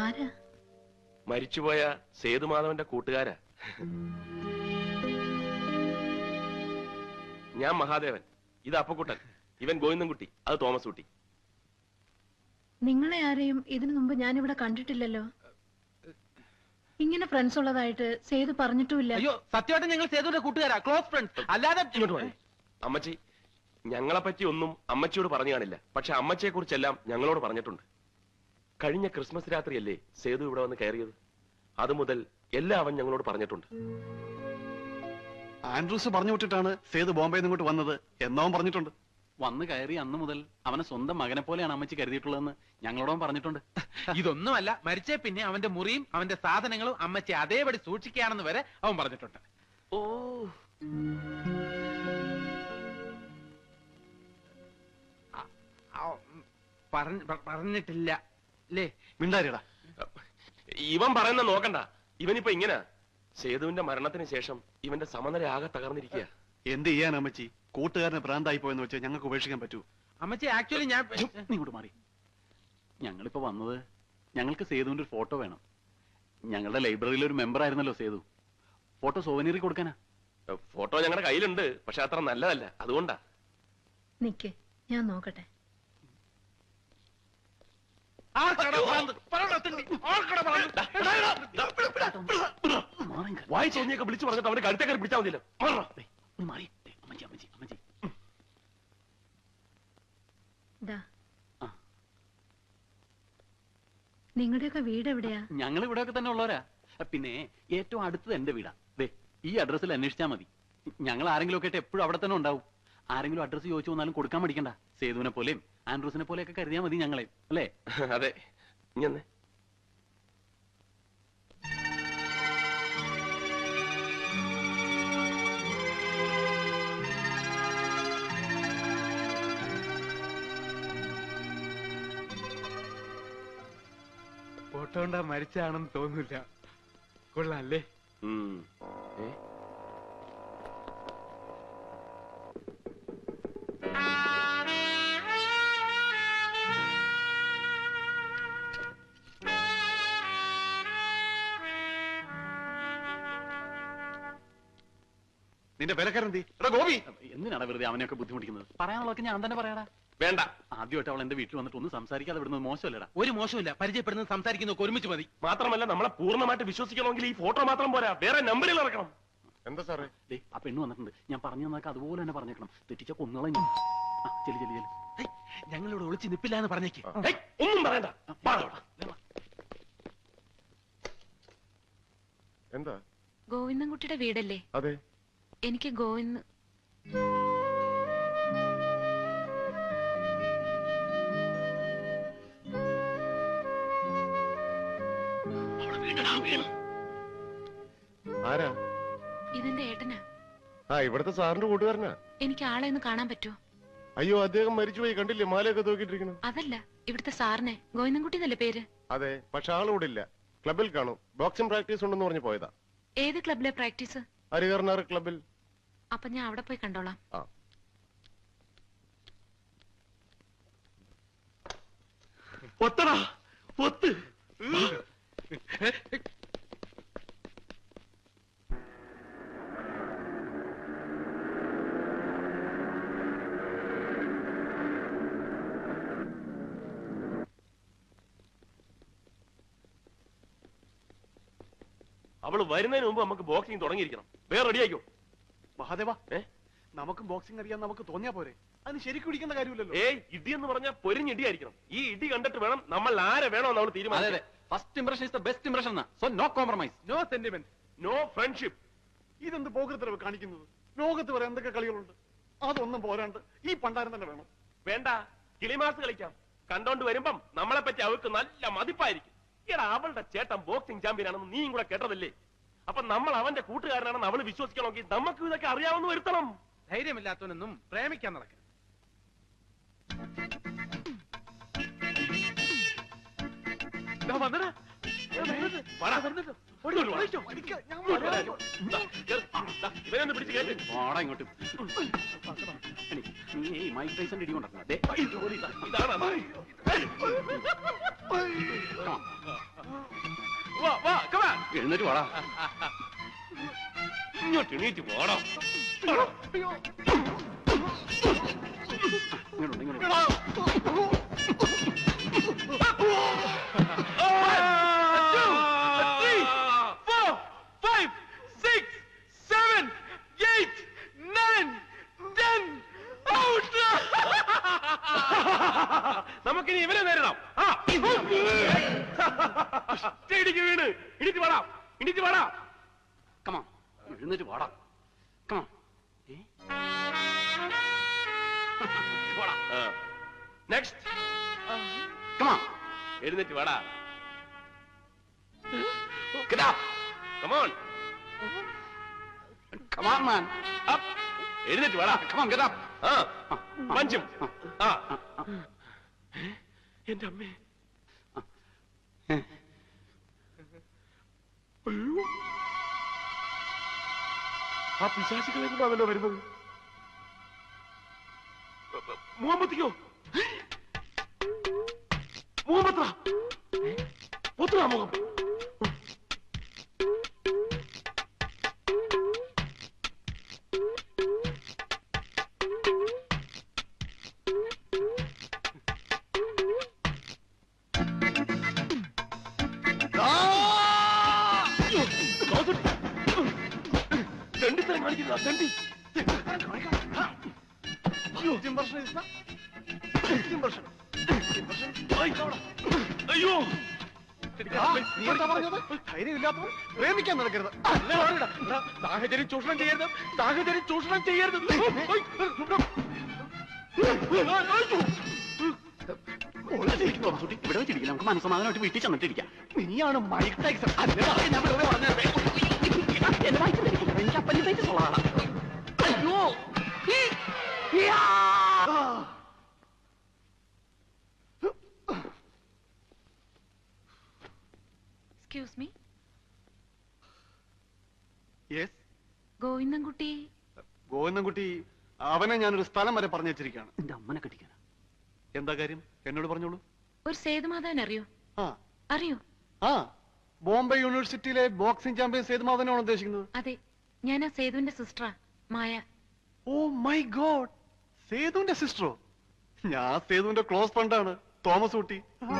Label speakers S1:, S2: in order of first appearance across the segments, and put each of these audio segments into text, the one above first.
S1: ആരാ?
S2: മരിച്ചുപോയ സേതുമാധവന്റെ കൂട്ടുകാരാ. ഞാൻ മഹാദേവൻ, ഇത് അപ്പക്കുട്ടൻ, ഇവൻ ഗോവിന്ദൻകുട്ടി, അത് തോമസ് കുട്ടി.
S1: നിങ്ങളെ ആരെയും ഇതിനു മുമ്പ് ഞാനിവിടെ കണ്ടിട്ടില്ലല്ലോ. ഇങ്ങനെ ഫ്രണ്ട്സ് ഉള്ളതായിട്ട് സേതു പറഞ്ഞിട്ടുമില്ല.
S3: അയ്യോ, സത്യമായിട്ട് ഞങ്ങൾ സേതുവിന്റെ കൂട്ടുകാരാ, ക്ലോസ് ഫ്രണ്ട്സ്. അല്ലാതെ
S2: അമ്മച്ചി, ഞങ്ങളെ പറ്റി ഒന്നും അമ്മച്ചിയോട് പറഞ്ഞു കാണില്ല. പക്ഷെ അമ്മച്ചിയെ കുറിച്ചെല്ലാം ഞങ്ങളോട് പറഞ്ഞിട്ടുണ്ട്. കഴിഞ്ഞ ക്രിസ്മസ് രാത്രിയല്ലേ സേതു ഇവിടെ വന്ന് കയറിയത്? അതുമുതൽ എല്ലാം അവൻ ഞങ്ങളോട് പറഞ്ഞിട്ടുണ്ട്.
S4: ആൻഡ്രൂസ് പറഞ്ഞു വിട്ടിട്ടാണ് സേതു ബോംബെയിൽ നിന്ന് ഇങ്ങോട്ട് വന്നത് എന്നവൻ പറഞ്ഞിട്ടുണ്ട്.
S5: വന്ന് കയറി അന്ന് മുതൽ അവനെ സ്വന്തം മകനെ പോലെയാണ് അമ്മച്ചി കരുതിയിട്ടുള്ളതെന്ന് ഞങ്ങളോടും പറഞ്ഞിട്ടുണ്ട്.
S3: ഇതൊന്നുമല്ല, മരിച്ചേ പിന്നെ അവന്റെ മുറിയും അവന്റെ സാധനങ്ങളും അമ്മച്ചി അതേപടി സൂക്ഷിക്കുകയാണെന്ന് വരെ അവൻ പറഞ്ഞിട്ടുണ്ട്.
S2: ഓ,
S3: പറഞ്ഞിട്ടില്ല അല്ലേ?
S4: മിണ്ടാരിടാ.
S2: ഇവൻ പറയുന്ന നോക്കണ്ട. ഇവനിപ്പോ ഇങ്ങനെ സേതുവിന്റെ മരണത്തിന് ശേഷം ഇവന്റെ സമനില ആകെ തകർന്നിരിക്കുക.
S4: എന്ത് ചെയ്യാൻ അമ്മച്ചി? കൂട്ടുകാരനെ ഭ്രാന്തായി പോയെന്ന് വെച്ചാൽ ഞങ്ങൾക്ക് ഉപേക്ഷിക്കാൻ പറ്റൂ?
S3: അമ്മച്ചി, ആക്ച്വലി ഞാൻ
S5: ഇങ്ങോട്ട് മാറി. ഞങ്ങളിപ്പോ വന്നത് ഞങ്ങൾക്ക് സേതുവിന്റെ ഒരു ഫോട്ടോ വേണം. ഞങ്ങളുടെ ലൈബ്രറിയിലെ ഒരു മെമ്പർ ആയിരുന്നല്ലോ സേതു. ഫോട്ടോ സോവനീറി കൊടുക്കാനാ.
S2: ഫോട്ടോ ഞങ്ങളുടെ കയ്യിലുണ്ട്, പക്ഷെ അത്ര നല്ലതല്ല, അതുകൊണ്ടാ.
S1: നിക്ക്, ഞാൻ നോക്കട്ടെ.
S2: വായി തോന്നിയൊക്കെ വിളിച്ചു പറഞ്ഞിട്ട് അവന്റെ കഴുത്തേക്കാർ പിടിച്ചാൽ മതിയല്ലോ.
S1: നിങ്ങളുടെയൊക്കെ വീട് എവിടെയാ?
S5: ഞങ്ങൾ ഇവിടെയൊക്കെ തന്നെ ഉള്ളവരാ. പിന്നെ ഏറ്റവും അടുത്തത് എന്റെ വീടാ. ദേ, ഈ അഡ്രസ്സിൽ അന്വേഷിച്ചാൽ മതി. ഞങ്ങൾ ആരെങ്കിലും ഒക്കെ ആയിട്ട് എപ്പോഴും അവിടെ തന്നെ ഉണ്ടാവും. ആരെങ്കിലും അഡ്രസ്സ് ചോദിച്ചു വന്നാലും കൊടുക്കാൻ മടിക്കണ്ട. സേതുവിനെ പോലെയും ആൻഡ്രൂസിനെ പോലെയൊക്കെ കരുതിയാൽ മതി ഞങ്ങളെ, അല്ലേ?
S2: അതെ. ഇങ്ങനെ
S3: ഫോട്ടോ ഉണ്ടാ മരിച്ചാണെന്ന് തോന്നില്ല. കൊള്ളാല്ലേ?
S4: നിന്റെ വിലക്കാരെന്തി? ഗോപി,
S5: എന്തിനാണ് വെറുതെ അവനെയൊക്കെ ബുദ്ധിമുട്ടിക്കുന്നത്? പറയാനുള്ളതൊക്കെ ഞാൻ തന്നെ പറയാടാ.
S2: വേണ്ട.
S5: ആദ്യമായിട്ട് അവൾ എന്റെ വീട്ടിൽ വന്നിട്ട് ഒന്നും സംസാരിക്കാതെ വിടുന്നത് മോശമല്ലടാ.
S3: ഒരു മോശമില്ല, പരിചയപ്പെടുന്നത് സംസാരിക്കുന്നതൊക്കെ ഒരുമിച്ച് മതി.
S2: മാത്രമല്ല, നമ്മളെ പൂർണ്ണമായിട്ട് വിശ്വസിക്കണമെങ്കിൽ ഈ ഫോട്ടോ മാത്രം പോരാ, വേറെ നമ്പറിൽ ഇറക്കണം.
S4: എന്താ സാറേ?
S5: ആ പെണ്ണ് വന്നിട്ടുണ്ട്. ഞാൻ പറഞ്ഞു തന്നൊക്കെ അതുപോലെ തന്നെ പറഞ്ഞേക്കണം. തെറ്റിച്ച കൊന്നുകളെ ഞാൻ. ചെല്ലി ചെല്ലി ചെല്ലി.
S3: ഞങ്ങളിവിടെ ഒളിച്ച് നിപ്പില്ല എന്ന് പറഞ്ഞേക്ക്.
S2: ഒന്നും പറയണ്ട.
S4: എന്താ?
S6: ഗോവിന്ദൻകുട്ടിയുടെ വീടല്ലേ?
S4: അതെ.
S6: എനിക്ക് ഗോവിന്ദ്
S4: ആരാ?
S6: ഇതിന്റെ ഏട്ടനാ.
S4: ഇവിടുത്തെ സാറിന്റെ കൂട്ടുകാരനാ.
S6: എനിക്ക് ആളെ ഒന്ന് കാണാൻ പറ്റുമോ?
S4: അയ്യോ, അദ്ദേഹം മരിച്ചുപോയി. കണ്ടില്ലേ മാലയൊക്കെ തൂക്കിട്ടിരിക്കണം?
S6: അതല്ല, ഇവിടുത്തെ സാറിനെ. ഗോവിന്ദൻകുട്ടി എന്നല്ലേ പേര്?
S4: അതെ, പക്ഷെ ആളിവിടെ ഇല്ല. ക്ലബിൽ കാണും. ബോക്സിംഗ് പ്രാക്ടീസ് ഉണ്ടെന്ന് പറഞ്ഞു പോയതാ.
S6: ഏത് ക്ലബിലെ പ്രാക്ടീസ്?
S4: ഹരികർണാർ ക്ലബിൽ.
S6: അപ്പൊ ഞാൻ അവിടെ പോയി കണ്ടോളാം.
S2: ഒത്തടാ, ഒത്ത്. അവള് വരുന്നതിന് മുമ്പ് നമുക്ക് ബോക്സിംഗ് തുടങ്ങിയിരിക്കണം. വേറെ റെഡിയാക്കോ?
S4: മഹാദേവ, നമുക്ക് ബോക്സിംഗ് അറിയാൻ നമുക്ക് തോന്നിയാ പോരെ? അതിന് ശരിക്കും ഇടിക്കേണ്ട കാര്യമില്ലല്ലോ.
S2: ഇടി എന്ന് പറഞ്ഞാൽ പൊരിഞ്ഞിടിയായിരിക്കണം. ഈ ഇടി കണ്ടിട്ട് വേണം നമ്മൾ ആരെ വേണോ നമ്മൾ തീരുമാനിക്കാൻ.
S5: First impression is the best impression. So no compromise,
S3: no sentiment,
S2: no friendship.
S4: ഇതെന്ത് പോകൃത്തരവ് കാണിക്കുന്നത്? ലോകത്ത് വരെ എന്തൊക്കെ കളികളുണ്ട്. അതൊന്നും പോരാണ്ട് ഈ പണ്ടാരം തന്നെ വേണം.
S2: വേണ്ട, കിളിമാസ് കളിക്കാം. കണ്ടോണ്ട് വരുമ്പം നമ്മളെ പറ്റി അവർക്ക് നല്ല മതിപ്പായിരിക്കും. എടാ, അവളുടെ ചേട്ടൻ ബോക്സിംഗ് ചാമ്പ്യൻ ആണെന്ന് നീയും കൂടെ കേട്ടതല്ലേ? അപ്പൊ നമ്മൾ അവന്റെ കൂട്ടുകാരനാണെന്ന് അവള് വിശ്വസിക്കണമെങ്കിൽ നമുക്ക് ഇതൊക്കെ അറിയാവുന്ന വരുത്തണം.
S3: ധൈര്യമില്ലാത്തവനൊന്നും പ്രേമിക്കാൻ നടക്കണം.
S2: ഇവനൊന്ന് പിടിച്ച് കേട്ട്
S5: ഇങ്ങോട്ട്. നീ മൈക്ക് ടൈസന്റെ ഇടി കൊണ്ടിരുന്ന എഴുന്നേറ്റ് വാടാ.
S2: ഇങ്ങോട്ട് എണീറ്റ് പോടാ.
S5: ഇങ്ങോട്ട് ഇങ്ങോട്ട്.
S2: 3, 4, 5, 6, 7, 8, 9, 10. Out! നമുക്കിനി ഇവരെ നേരിടാം. ഇടിക്ക് വീണ് ഇടിച്ച് വാടാ, ഇടിച്ച് വാടാ.
S5: Come on. എഴുന്നേറ്റ് വാടാ. Come on. വാടാ.
S2: Next.
S5: Come on.
S2: എഴുന്നേറ്റ് വാടാ.
S5: Get up.
S2: Come on.
S5: Come on, man.
S2: Up. എഴുന്നേറ്റ് വാടാ.
S5: Come on, get up.
S2: പഞ്ചും. എന്റെ അമ്മേ. അയ്യോ, ആ പിശാചുകളെ കൊണ്ടാണല്ലോ വരുന്നത്. മുഹമ്മദിക്കോ? മുഹമ്മദ് മുഹമ്മദ്. ദണ്ഡിത്തരം കാണിക്കുന്ന ദണ്ഡി. അയ്യോ,
S4: നീ എന്താ പറഞ്ഞത്? ധൈര്യമില്ലാത്തവർ പ്രേമിക്കാൻ നടക്കരുത്.
S2: സാഹചര്യം ചൂഷണം ചെയ്യരുത്, സാഹചര്യം ചൂഷണം ചെയ്യരുത്.
S5: ഇവിടെ വെച്ചിരിക്കില്ല, നമുക്ക് മനസ്സമാധാനമായിട്ട് വീട്ടിൽ ചെന്നിട്ടിരിക്കാം.
S4: നീയാണ് മൈക്ക് ടൈസൺ.
S5: ഞാൻ വെറുതെ പറഞ്ഞത്. എന്റെ വയറ്റിൽ എനിക്ക് അപ്പൻഡിസൈറ്റിസ് ഉള്ളതാണ്. അയ്യോ.
S6: Excuse me,
S4: yes,
S6: Govindankutty.
S4: Govindankutty, അവനെ ഞാനൊരു സ്ഥലം വരെ പറഞ്ഞു വെച്ചിരിക്കുകയാണ്.
S5: എന്റെ അമ്മനെ കെട്ടിക്കാനാ.
S4: എന്താ കാര്യം? എന്നോട് പറഞ്ഞോളൂ.
S6: ഒരു സേതുമാധവൻ അറിയോ?
S4: ആ
S6: അറിയോ?
S4: ആ, ബോംബെ യൂണിവേഴ്സിറ്റിയിലെ ബോക്സിംഗ് ചാമ്പ്യൻ സേതുമാധവനാണ് ഉദ്ദേശിക്കുന്നത്.
S6: അതെ, ഞാൻ ആ സേതുവിന്റെ സിസ്റ്ററാ, മായ.
S4: ഓ മൈ ഗോഡ്, സേതുവിന്റെ സിസ്റ്ററോ? ഞാൻ സേതുവിന്റെ ക്ലോസ് ഫ്രണ്ടാണ്, തോമസ് ഊട്ടി.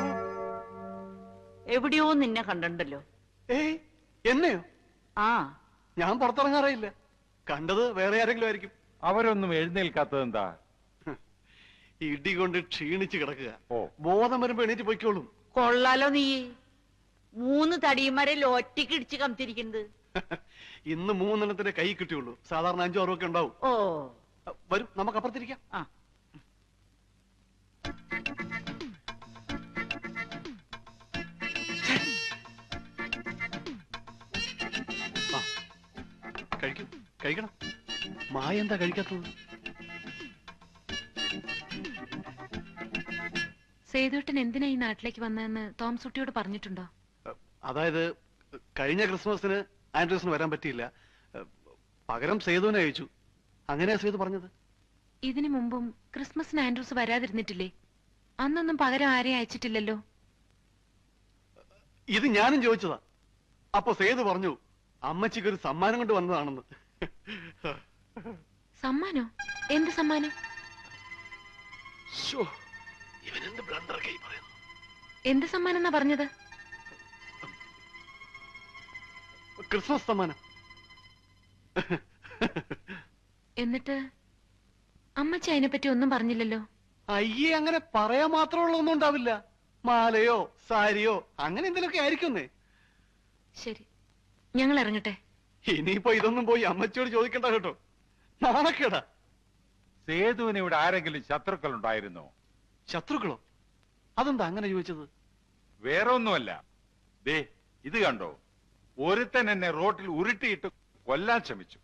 S7: എവിടെയോ നിന്നെ കണ്ടിട്ടുണ്ടല്ലോ.
S4: ഏയ്, എന്നെയോ?
S7: ആ,
S4: ഞാൻ പുറത്തിറങ്ങാറില്ല. കണ്ടത് വേറെ ആരെങ്കിലും ആയിരിക്കും.
S8: അവരൊന്നും എഴുന്നേൽക്കാത്തതെന്താ?
S4: ഇടി കൊണ്ട് ക്ഷീണിച്ച് കിടക്കുക.
S8: ഓ.
S4: ബോധം വരുമ്പോ എണീറ്റ് പൊയ്ക്കോളും.
S7: കൊള്ളാലോ നീ. 3 തടിയന്മാരെ ലോറ്റിക്ക് ഇടിച്ച് കംതിരിക്കുന്നത്.
S4: ഇന്ന് 3 കൈ കിട്ടിയുള്ളൂ. സാധാരണ 5 6 ഒക്കെ ഉണ്ടാവും.
S7: ഓ,
S4: വരും, നമുക്ക് അപ്പുറത്തിരിക്കാം.
S7: ആ,
S4: കഴിക്കും, കഴിക്കണം. മായ എന്താ കഴിക്കാത്തത്?
S6: സേതുവേട്ടൻ എന്തിനാ ഈ നാട്ടിലേക്ക് വന്നതെന്ന് തോമസ് കുട്ടിയോട് പറഞ്ഞിട്ടുണ്ടോ?
S4: അതായത് കഴിഞ്ഞ ക്രിസ്മസിന് ആൻഡ്രൂസിന് വരാൻ പറ്റിയില്ല. പകരം സേതുവിനെ അയച്ചു. അങ്ങനെയാ സേതു പറഞ്ഞത്.
S6: ഇതിനു മുമ്പും ക്രിസ്മസിന് ആൻഡ്രൂസ് വരാതിരുന്നിട്ടില്ലേ? അന്നൊന്നും പകരം ആരെയും അയച്ചിട്ടില്ലല്ലോ.
S4: ഇത് ഞാനും ചോദിച്ചതാ. അപ്പൊ സേതു പറഞ്ഞു അമ്മച്ചിക്ക് ഒരു സമ്മാനം കൊണ്ട് വന്നതാണെന്ന്.
S6: സമ്മാനോ? എന്ത് സമ്മാനം?
S2: ഇവനെന്ത് ബ്ലണ്ടർ കൈ പറയുന്നു.
S6: എന്ത് സമ്മാനം എന്നാ പറഞ്ഞത്?
S4: ക്രിസ്മസ് സമ്മാനം.
S6: എന്നിട്ട് അമ്മച്ചി അതിനെപ്പറ്റി ഒന്നും പറഞ്ഞില്ലല്ലോ.
S4: അയ്യേ, അങ്ങനെ പറയാൻ മാത്രമുള്ള ഒന്നും ഉണ്ടാവില്ല. മാലയോ സാരിയോ അങ്ങനെ എന്തെങ്കിലുമൊക്കെ ആയിരിക്കുന്നേ.
S6: ശരി, ഞങ്ങൾ ഇറങ്ങട്ടെ.
S4: ഇനിയിപ്പോ ഇതൊന്നും പോയി അമ്മച്ചിയോട് ചോദിക്കണ്ട കേട്ടോ, നാണക്കേടാ.
S8: സേതുവിന് ഇവിടെ ആരെങ്കിലും ശത്രുക്കൾ ഉണ്ടായിരുന്നോ?
S4: ശത്രുക്കളോ? അതെന്താ അങ്ങനെ ചോദിച്ചത്?
S8: വേറെ ഒന്നുമല്ല. ദേ ഇത് കണ്ടോ, ഒരുത്തൻ എന്നെ റോട്ടിൽ ഉരുട്ടിയിട്ട് കൊല്ലാൻ ശ്രമിച്ചു.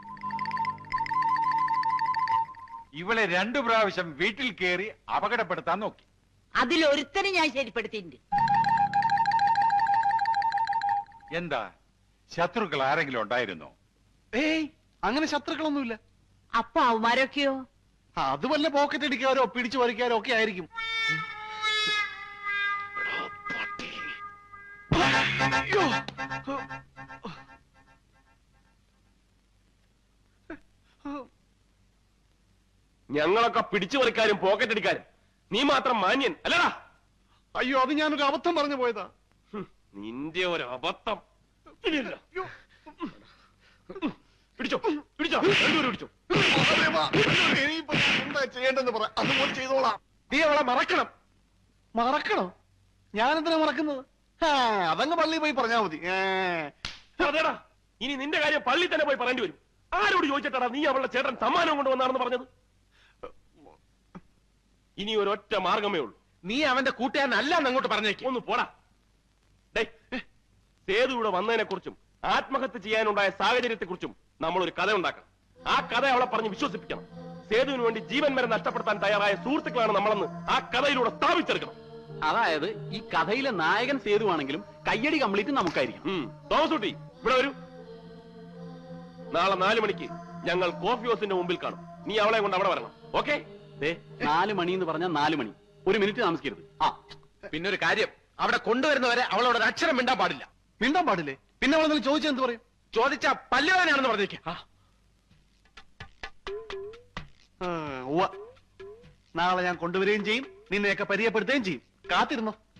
S8: ഇവളെ 2 പ്രാവശ്യം വീട്ടിൽ കയറി അപകടപ്പെടുത്താൻ നോക്കി.
S7: അതിലൊരുത്തനെ ഞാൻ ശരിപ്പെടുത്തിയിട്ടുണ്ട്.
S8: എന്താ, ശത്രുക്കൾ ആരെങ്കിലും ഉണ്ടായിരുന്നോ?
S4: ഏയ്, അങ്ങനെ ശത്രുക്കളൊന്നുമില്ല.
S7: അപ്പൊ അവന്മാരൊക്കെയോ?
S4: അത് വല്ല പോക്കറ്റ് അടിക്കാരോ പിടിച്ചു പറിക്കാരോ ഒക്കെ ആയിരിക്കും.
S2: ഞങ്ങളൊക്കെ പിടിച്ചു പറിക്കാരും പോക്കറ്റ് അടിക്കാരും, നീ മാത്രം മാന്യൻ അല്ലടാ.
S4: അയ്യോ, അത് ഞാനൊരു അബദ്ധം പറഞ്ഞു പോയതാ.
S2: നിന്റെ ഒരു അബദ്ധം. പിടിച്ചോ പിടിച്ചോ, രണ്ടുപേരും പിടിച്ചോ.
S4: എന്താ ചെയ്യേണ്ടെന്ന് പറ, അതുപോലെ ചെയ്തോളാം.
S2: നീ അവളെ മറക്കണം.
S4: മറക്കണോ? ഞാനെന്തിനാ മറക്കുന്നത്? അതങ്ങ് പള്ളിയിൽ പോയി പറഞ്ഞാ മതി.
S2: അതേടാ, ഇനി നിന്റെ കാര്യം പള്ളി തന്നെ പോയി പറയേണ്ടി വരും. ആരോട് ചോദിച്ചിട്ടാടാ നീ അവളുടെ ചേട്ടൻ സമ്മാനം കൊണ്ടുവന്നാണെന്ന് പറഞ്ഞത്? ഇനി ഒരൊറ്റ മാർഗമേ ഉള്ളൂ.
S3: നീ അവന്റെ കൂട്ടുകാരനല്ല അങ്ങോട്ട് പറഞ്ഞേക്ക്.
S2: ഒന്ന് പോടാ. സേതു ഇവിടെ വന്നതിനെ കുറിച്ചും ആത്മഹത്യ ചെയ്യാനുണ്ടായ സാഹചര്യത്തെ കുറിച്ചും നമ്മൾ ഒരു കഥ ഉണ്ടാക്കണം. ആ കഥ അവളെ പറഞ്ഞ് വിശ്വസിപ്പിക്കണം. സേതുവിന് വേണ്ടി ജീവൻ വരെ നഷ്ടപ്പെടുത്താൻ തയ്യാറായ സുഹൃത്തുക്കളാണ് നമ്മളെന്ന് ആ കഥയിലൂടെ സ്ഥാപിച്ചെടുക്കണം.
S5: അതായത് ഈ കഥയിലെ നായകൻ സേതുവാണെങ്കിലും കയ്യടി കംപ്ലീറ്റ് നമുക്കായിരിക്കും.
S2: തോമസ് കുട്ടി ഇവിടെ വരൂ. നാളെ 4 മണിക്ക് ഞങ്ങൾ കോഫി ഹൗസിന്റെ മുമ്പിൽ കാണും. നീ അവളെ കൊണ്ട് അവിടെ വരണം. ഓക്കെ?
S5: 4 മണി എന്ന് പറഞ്ഞാൽ 4 മണി. 1 മിനിറ്റ് താമസിക്കരുത്.
S3: പിന്നെ ഒരു കാര്യം, അവിടെ കൊണ്ടുവരുന്നവരെ അവളോട് ഒരു അക്ഷരം മിണ്ടാൻ പാടില്ല.
S4: മിണ്ടാൻ പാടില്ലേ? പിന്നെ അവളെന്തെങ്കിലും ചോദിച്ചാൽ എന്ത് പറയും?
S3: ചോദിച്ചാ പല്ലുവാനാണെന്ന് പറഞ്ഞേക്ക്.
S4: നാളെ ഞാൻ കൊണ്ടുവരികയും ചെയ്യും, നിന്നെയൊക്കെ പരിചയപ്പെടുത്തുകയും ചെയ്യും. കാത്തിരുന്നോ.